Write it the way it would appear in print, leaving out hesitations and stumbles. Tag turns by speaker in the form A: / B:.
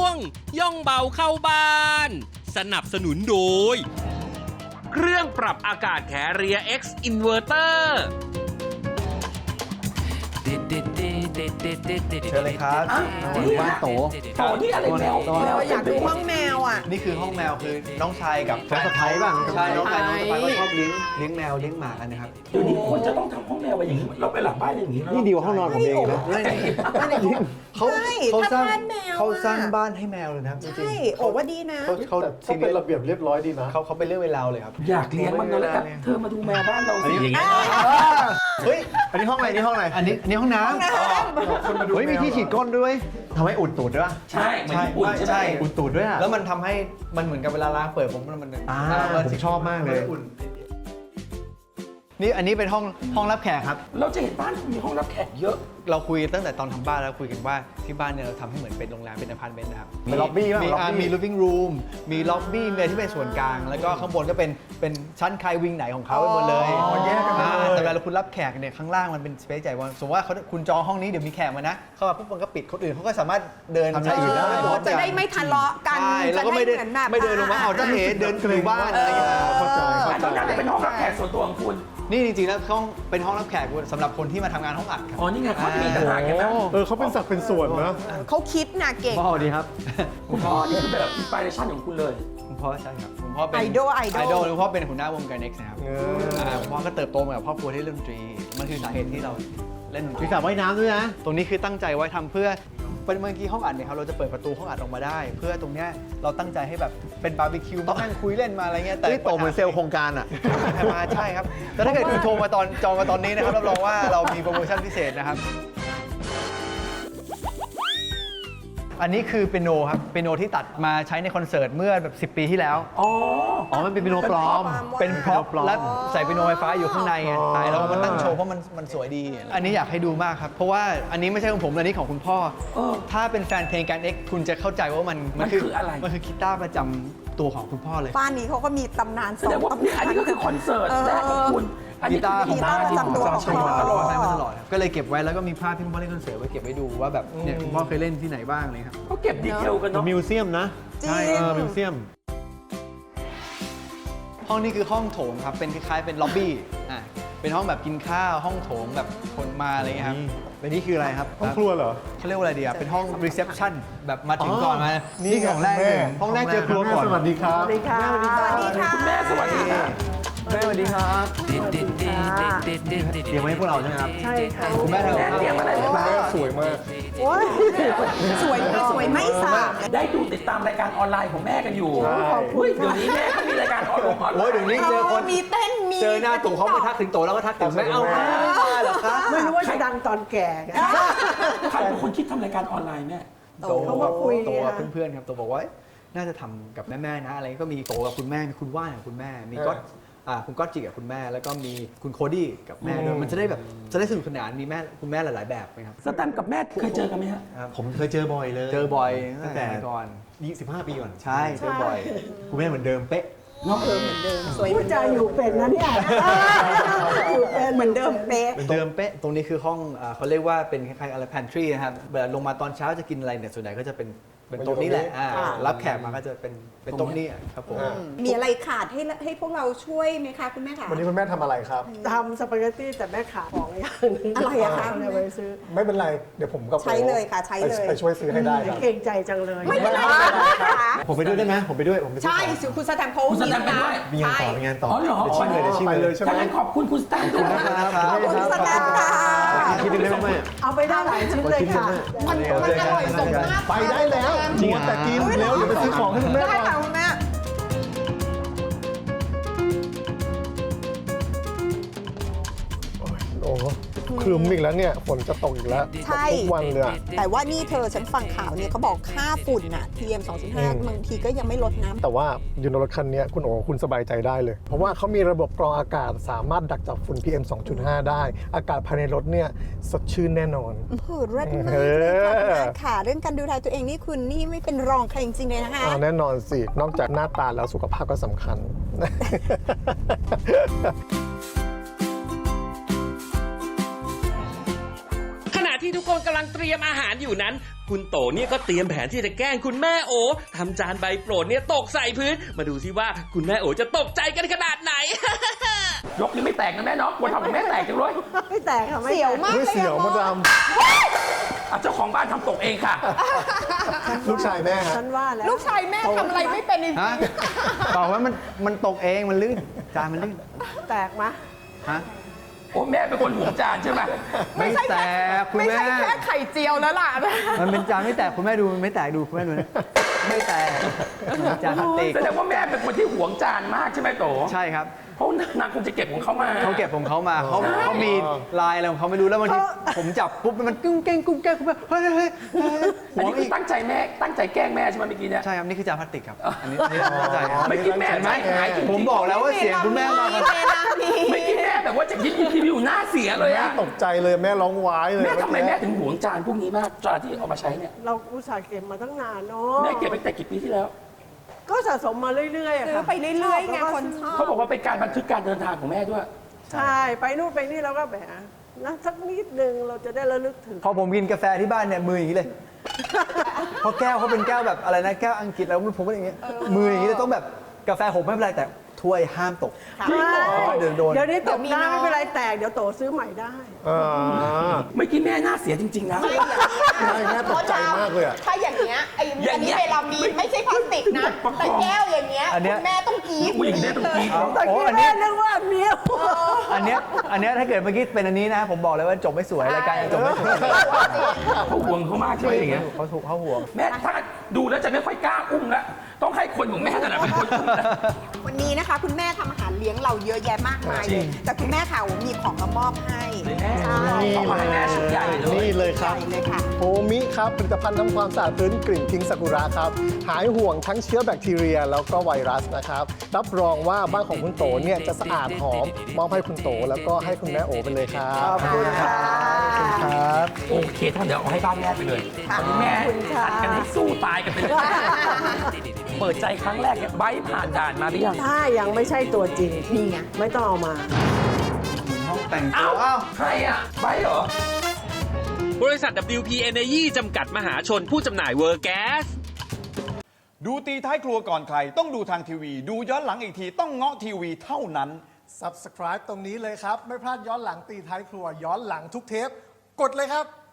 A: งย่องเบาเข้าบ้าน สนับสนุนโดยเครื่องปรับอากาศแคเรีย X Inverter
B: เชิญเลยครับบ้านโต
C: โตนี่อะไรแมว
D: อยากดูห้องแมวอ่ะ
B: นี่คือห้องแมวคือน้องชายกับน้องสะใภ้บ้างใช่น้องชายน้องสะใภ้ก็ชอบเลี้ยงแมวเลี้ยงหมากันนะครับ
C: เดี๋ยวนี้คนจะต้องทำห้องแมวไว้อย่างนี้เราไปหลังบ้านอย่างนี้
E: นี่ดีกว่าห้องนอนผมเองนะ
B: เขา
D: ใช่
B: เขาสร้าง
D: ถ้าบ้านแมวอะ
B: เขาสร้างบ้านให้แมวเลยนะครับจริง
D: ใช่
B: ๆ
D: โอ้ว่าดีนะ
B: เขา
E: เขาเป็นระเบียบเรียบร้อยดีนะ
B: เขาเป็นเรื่องเวลาเลยครับ
C: อยากเลี้ยงมันแล้วกันเธอมาดูแมวบ้านเราสิอย่างนี้
B: เฮ้ยอันนี้ห้องอะไรนี่ห้องอะไรอันนี้ห้องน้ำเฮ้ยมีที่ฉีดก้นด้วยทำให้อุดตูดด้วย
C: ใช่เหมือนญี่ปุ่นใช่ไหม
B: อุดตูดด้วยแล้วมันทำให้มันเหมือนกับเวลาล้างเปิดผมมัน
E: ผมชอบมากเลย
B: นี่อันนี้เป็นห้องรับแขกครับ
C: เราจะเห็นบ้านคุณมีห้องรับแขกเยอะ
B: เราคุยตั้งแต่ตอนทำบ้านแล้วคุยกันว่าที่บ้านเนี่ยเราทำให้เหมือนเป็นโรงแรมเป็นอพาร์ตเมนต์นะครับ
E: เป็นล็อบบี้ป่ะ
B: มี
E: ล็อบบี้
B: มี living room มีล็อบบี้มีอะไรที่เป็นส่วนกลาง แล้วก็ข้างบนก็เป็นชั้นใครวิงไหนของเขาไปหมดเลย
E: แยกกันไปเลย
B: แต่เวลาคุณรับแขกเนี่ยข้างล่างมันเป็นสเปซใหญ่ว่าสมมติว่าคุณจองห้องนี้เดี๋ยวมีแขกมานะเข้ามาปุ๊บมันก็ปิดคนอื่นเขาก็สามารถเดิน
E: ทำอะไรอื่นได้
D: จะได้ไม่ทะเลาะกัน
B: ใช่แล้วก็ไม่ได้
D: จะเหอนแบบ
B: ไม่เดินลงมาเอาจะเอ๋เดินอยู่บ้านอะไรอย่างเงี้ย
E: เข้าใจ
C: อันนั้นน่าจะเป็นห้องรับแขกส่วนตัวของคุณ
B: นี่จริงๆแล้วเป็นห้องรับแขกสำหรับคนที่มาทำงานห้องอัดครับ
C: อ๋อนี่ไงเขาจะมีต่างหากกันนะ
E: เขาเป็นสักเป็นส่วนนะ
D: เขาคิดนะเก่ง
B: พ่อดีครับ
C: คุณพ่อนี่คือแบบอินสปิเรชันของคุณเลย
B: คุณพ่อใช่ครับคุณพ่อเป็น
D: ไอดอล
B: ไอดอลคุณพ่อเป็นหัวหน้าวงการ Next นะครับคุณพ่อก็เติบโตมากับครอบครัวที่เล่นดนตรี มันคือสาเหตุที่เราเล่นดนต
E: มี
B: รี
E: สระว่ายน้ำด้วยนะ
B: ตรงนี้คือตั้งใจไว้ทำเพื่อเป็นเมื่อกี้ห้องอัดเนี่ยครับเราจะเปิดประตูห้องอัดออกมาได้ เพื่อตรงเนี้ยเราตั้งใจให้แบบเป็นบาร์บีคิวมานั่งคุยเล่นมาอะไรเงี้ยแต่
E: นี่โตเหมือนเซลล์โครงการอ่ะ
B: มาใช่ครับแต่ถ้าเกิดคุณโทรมาจองมาตอนนี้นะครับรับรองว่าเรามีโปรโมชั่นพิเศษนะครับ อันนี้คือเปียโนครับเปียโนที่ตัดมาใช้ในคอนเสิร์ตเมื่อแบบ10 ปีที่แล้ว
C: อ๋อ
E: อ๋อ มันเป็นเปียโนปลอม
B: เป็นพร็อพ
E: ปลอม
B: และใส่เปียโนไฟฟ้าอยู่ข้างในไง
E: อ๋อ
B: ใช่แล้วมันตั้งโชว์เพราะมันสวยดี อันนี้อยากให้ดูมากครับ เพราะว่าอันนี้ไม่ใช่ของผมอันนี้ของคุณพ่อ ถ้าเป็นแฟนเพลงการ X คุณจะเข้าใจว่ามันคืออะไรมันคือกีตาร์ประจำตัวของคุณพ่อเลย
D: บ้านนี้เขาก็มีตำนาน
C: แสดงว่าอันนี้ก็คือคอนเสิร์ตแรกของคุณอันนี้
B: กีตาร์ของบ้าน
D: กีตาร์ประจำตัวของ
B: ใช้
D: พ่อ
B: มาตลอดให้มาตลอดครับก็เลยเก็บไว้แล้วก็มีภาพที่คุณพ่อเล่นคอนเสิร์ตไว้เก็บไว้ดูว่าแบบเนี่ยคุณพ่อเคยเล่นที่ไหนบ้างเลยครับ
C: เขาเก็บดีเทลกัน
E: เป็น
C: เนาะ
E: มิวเซียมนะ
D: จริง
E: ใช่มิวเซียม
B: ห้องนี้คือห้องโถงครับเป็นคล้ายๆเป็นล็อบบี้เป็นห้องแบบกินข้าวห้องโถงแบบคนมาอะไรเงี้ยครับ
E: เป็นนี่คืออะไรครับ ห้องครัวเหรอ
B: เขาเรียกว่าอะไรดีอ่ะเป็นห้องรีเซพชันแบบมาถึงก่อนมา
E: นี่
B: นี่ของแรกเลย
E: ห้องแรกเจอครัวก่อน สวัสดีครับ
D: สวัสดีค่ะ
C: คุณแม่สวัสดีค่ะ
B: แม่สวัสดีครับเตรียมไว้ให้พวกเราใช่ไหมครับ
D: ใช่ค่ะ
B: คุณแม่ทำ
C: แม่
B: กับ
C: เตรียม
B: ข้าว
C: อะไรไว้บ้าง
E: สวยมาก
D: โอ้ยสวยไม่สั่ง
C: ได้ดูติดตามรายการออนไลน์ของแม่กันอยู่เฮ้ยเดี๋ยวนี้แม่ก็มีรายการออนไลน์
B: โอ้ยเดี๋ยวนี้เจอคน
D: มีเต้นมี
B: เจอหน้าตู่เขาไปทักถึงโตแล้วก็ทักถึงแม่เอามาเหรอครับ
F: ไม่รู้ว่าจะดังตอนแก่ไง
C: ใครเป็นคนคิดทำรายการออนไลน์แม่
B: โต
F: เขามาคุย
B: โตกับ
F: ไง
B: เพื่อนๆครับโตบอกว่าน่าจะทำกับแม่ๆนะอะไรก็มีโตกับคุณแม่มีคุณว่านกับคุณแม่มีก็คุณก๊อตจิกับคุณแม่แล้วก็มีคุณโคดี้กับแม่ด้วยมันจะได้แบบจะได้สนุกสนานมีแม่คุณแม่หลายๆแบบนะครับ
C: สแตมป์กับแม่เคยเจอกันไหมฮะ
E: ผมเคยเจอบ่อยเลย
B: เจอบ่อย
E: ตั้งแต่
B: ก่อน
E: 25 ปีก่อน
B: ใช่เจอบ่อย
E: คุณแม่เหมือนเดิมเป๊ะ
C: เนาะ
D: เหมือนเดิมสวย
F: พูดจาอยู่เป็นนะเนี่ยอยู่เป็น
D: เหมือนเดิมเป๊ะ
B: เหมือนเดิมเป๊ะตรงนี้คือห้องเขาเรียกว่าเป็นคล้ายๆอะไร pantry นะครับเวลาลงมาตอนเช้าจะกินอะไรเนี่ยส่วนใหญ่ก็จะเป็นโต๊ะนี้แหละรับแขกมาก็จะเป็นโต๊ะนี้ครับผม
D: มีอะไรขาดให้พวกเราช่วยไหมคะคุณแม่คะ
E: วันนี้คุณแม่ทำอะไรครับ
F: ทำสปาเกตตี้แต่แม่ขาดของอย่างหนึง
D: อะไรอะคะ
F: เนี่ยไปซื้อ
E: ไม่เป็นไร เดี๋ยวผมกับ
D: ใช้เลยค่ะใช้เลย
E: ไปช่วยซื้อให้ได้ครับ
F: เกรงใจจังเลย
D: ไม่เป็นไรค่ะ
E: ผมไปด้วยได้ไหมผมไปด้วย ผมไปซื้อ
D: ใช่
E: ของ
D: คุณสแตมป์เขา
C: คุณสแตมป์ไปด้วย
E: มีงานต่อมีงานต่อ
C: อ๋อเหรอ
E: เดี๋ยวชิมเลยใช่ไหม
C: ถ้างั้นขอบคุณคุณสแตมป์ด้วยนะ
D: ขอบคุณสแตมป์ค่ะ
E: คิดดูได้ไหม
F: เอาไปได้หลายชิ้นเลยค่ะ
D: มันอร่อยสมมาก
E: ไปได้แล้วจริงแต่กินเร็วเดี๋ยวไปซื้อของให้คุณแม่
D: ได้
E: ก่อน
D: ค่ะคุณแม่
E: โอ้ครึ้มอีกแล้วเนี่ยฝนจะตกอีกแล้ว
D: ใช่
E: ทุกวันเลยอะ
D: แต่ว่านี่เธอฉันฟังข่าวเนี่ยเขาบอกค่าฝุ่นน่ะ PM 2.5บางทีก็ยังไม่ลดน้ำ
E: แต่ว่าอยู่ในรถคันนี้คุณโอ๋คุณสบายใจได้เลย เพราะว่าเขามีระบบกรองอากาศสามารถดักจับฝุ่น PM 2.5 ได้ อากาศภายในรถเนี่ยสดชื่นแน่นอน
D: เลิศมากเลยค่ะคุณอาค่ะ เรื่องการดูแลตัวเองนี่คุณนี่ไม่เป็นรองใครจริงๆเลยนะคะ
E: แน่นอนสิ นอกจากหน้าตาแล้วสุขภาพก็สำคัญ
A: ขณะที่ที่ทุกคนกำลังเตรียมอาหารอยู่นั้น คุณโตเนี่ยก็เตรียมแผนที่จะแกล้งคุณแม่โอทำจานใบโปรดเนี่ยตกใส่พื้น มาดูสิว่าคุณแม่โอจะตกใจกันขนาดไหน
C: ยกยังไม่แตกนะแม่เนาะกลัวทำของแม่แตกจังเลย
F: ไม่แตกค่ะไม่
D: เสียวมาก
E: เฮ้ย
D: เลย
E: เสียว
D: อะ
E: มาดาม
C: อ่ะเจ้าของบ้านทำตกเองค่ะ
E: ลูกชายแม่ฮะ
F: ฉันว่าแล้ว
D: ลูกชายแม่ทำอะไรไม่เป็นจริง
B: ฮะบอกว่ามันตกเองมันลื่นจานมันลื่น
F: แตกไหม
B: ฮะ
C: โอ้แม่เป็นคนห่วงจานใช่ไหม
B: ไม่แตกคุณ
D: ไม่
B: แม่
D: ใช่แค่ไข่เจียวแล้วล่ะ
B: มันเป็นจานไม่แตกคุณแม่ดูมันไม่แตกดูคุณแม่ดูนะไม่แตกจานพลาสติก
C: แสดงว่าแม่เป็นคนที่ห่วงจานมากใช่ไหมโต
B: ใช่ครับ
C: เพราะนางคงจะเก็บของเขามา
B: เขาเก็บของเขามาเขามีลายอะไรของเขาไม่รู้แล้วบางทีผมจับปุ๊บมันกุ้งแกงคุณแม่เฮ้ยเฮ้ย
C: อัน
B: หัว
C: นี้คื
B: อี
C: อก ตั้งใจแม่ตั้งใจแกล้งแม่ใช่ไหมเมื่อกี้เนี่ย
B: ใช่ครับนี่คือจานพลาสติกครับอันนี้เข้าใจครับ
C: เมื่อกี้แม่
B: เห็นไหม
C: ใจหายจริงๆ
B: ผมบอกแล้วว่าเสียงคุณแม่มาครับ
D: เวลานี้
C: เมื่อกี้แม่แบบว่าจะยิ้มอยู่หน้าเสียเลย
E: แม่
C: อะ
E: ตกใจเลยแม่ร้องว้ายเลย
C: แม่ทำไมแม่ถึงห่วงจานพวกนี้มากจานที่เอามาใช้เนี่ย
F: เราอุตส่าห์เก็บมาตั้งนานเนาะ
C: แม่เก็บไปแต่กี่ปีที่แล้ว
F: ก็สะสมมาเรื่อยๆอะ
D: ซื้อ
F: ค่ะ
D: ไปเรื่อยๆไงคนชอบ
C: เขาบอกว่าเป็นการบันทึกการเดินทางของแม่ด้วย
F: ใช่ไปนู่นไปนี่เราก็แบบนะสักนิดนึงเราจะได้ระลึกถึง
B: พอผมกินกาแฟที่บ้านเนี่ยมืออย่างนี้เลยเพราะแก้วเขาเป็นแก้วแบบอะไรนะแก้วอังกฤษแล้วผมก็อย่างเงี้ยมืออย่างนี้เลยต้องแบบกาแฟหกไม่เป็นไรแต่ถ้วยห้ามตก
C: จริงเหรอ
B: เดี๋ยวโดน
F: เดี๋ยวนี้ตก
D: เดี๋ยวมี
F: ได้
D: น้อย
F: ไม่เป็นไรแตกเดี๋ยวโตซื้อใหม่ได้
E: อ่า
C: เมื่อกี้แม่หน้าเสียจริงๆนะ
E: แม่ตกใจมากเลยอะ
D: ถ้าอย่างเงี้ยไอ้
C: อย่า
D: อั
C: ง
D: น
C: เงี้
D: นี้
C: ย
D: เวลามีไม่ใช่พลาสติกนะ แต่แก้วอย่างเงี้ย
B: อันเนี้ย
D: คุณแม่ต้องกรี๊ด
C: ผู้หญิงเนี่ยต้องกรี๊ด
F: แต่
B: โอ้
F: กี้
B: อัน
F: แม่
B: นี้
F: นึกว่าอันเนี้ย
B: อันเนี้ยถ้าเกิดเมื่อกี้เป็นอันนี้นะผมบอกเลยว่าจบไม่สวยรายการยังจบไม่สวย
C: เขาห่วงเขามากใช่ไหมอย่างเงี้ย
B: เขาถูกเขาห่วง
C: แม่ถ้าดูแล้วจะไม่ค่อยกล้าอุ้มแล้วต้องให้คนของแม่นั่นแหละเป็นคนอุ้มแล้ว
D: วันนี้นะคะ คุณแม่ทำอาหารเลี้ยงเราเยอะแยะมากมาย
C: จริ
D: เลย
C: ง
D: แต่คุณแม่ค่ะมีของมามอบให้
C: แม่
D: ใช่
C: เอามาให้แม่ชุดใหญ่เลย
E: นี่เลยครับ
D: ใหญ่เลยค่ะ
E: โฮมิครับผลิตภัณฑ์ทำความสะอาดพื้นกลิ่นพิงซากุระครับ หายห่วงทั้งเชื้อแบคทีเรีย แล้วก็ไวรัสนะครับ รับรองว่าบ้านของคุณโตเนี่ยจะสะอาดหอมมอบให้คุณโตแล้วก็ให้คุณแม่โอไปเลยครับ
B: ขอบคุณครับครับ
C: โอเคถ้าเดี๋ยวเอาให้บ้านแม่ไปเลยตอนนี้แม่ผัดกันให้สู้ตายกันไปเลย เปิดใจครั้งแรกเนี่ยไบร์ทผ่านด่านมาหรือยัง
F: ถ้ายังไม่ใช่ตัวจริง
D: นี่ไง
F: ไม่ต้องเอามา
B: ห้องแต่งตั
C: อ้าว
B: วอ้าว
C: ใครอ่ะไบร์ทเหรอ
A: บริษัท WP Energy จำกัดมหาชนผู้จำหน่ายเวอร์แก๊ส
G: ดูตีท้ายครัวก่อนใคร ต้องดูทางทีวี ดูย้อนหลังอีกทีต้องเงาะทีวีเท่านั้น
E: Subscribe ตรงนี้เลยครับ ไม่พลาดย้อนหลังตีท้ายครัวย้อนหลังทุกเทป กดเลยครับ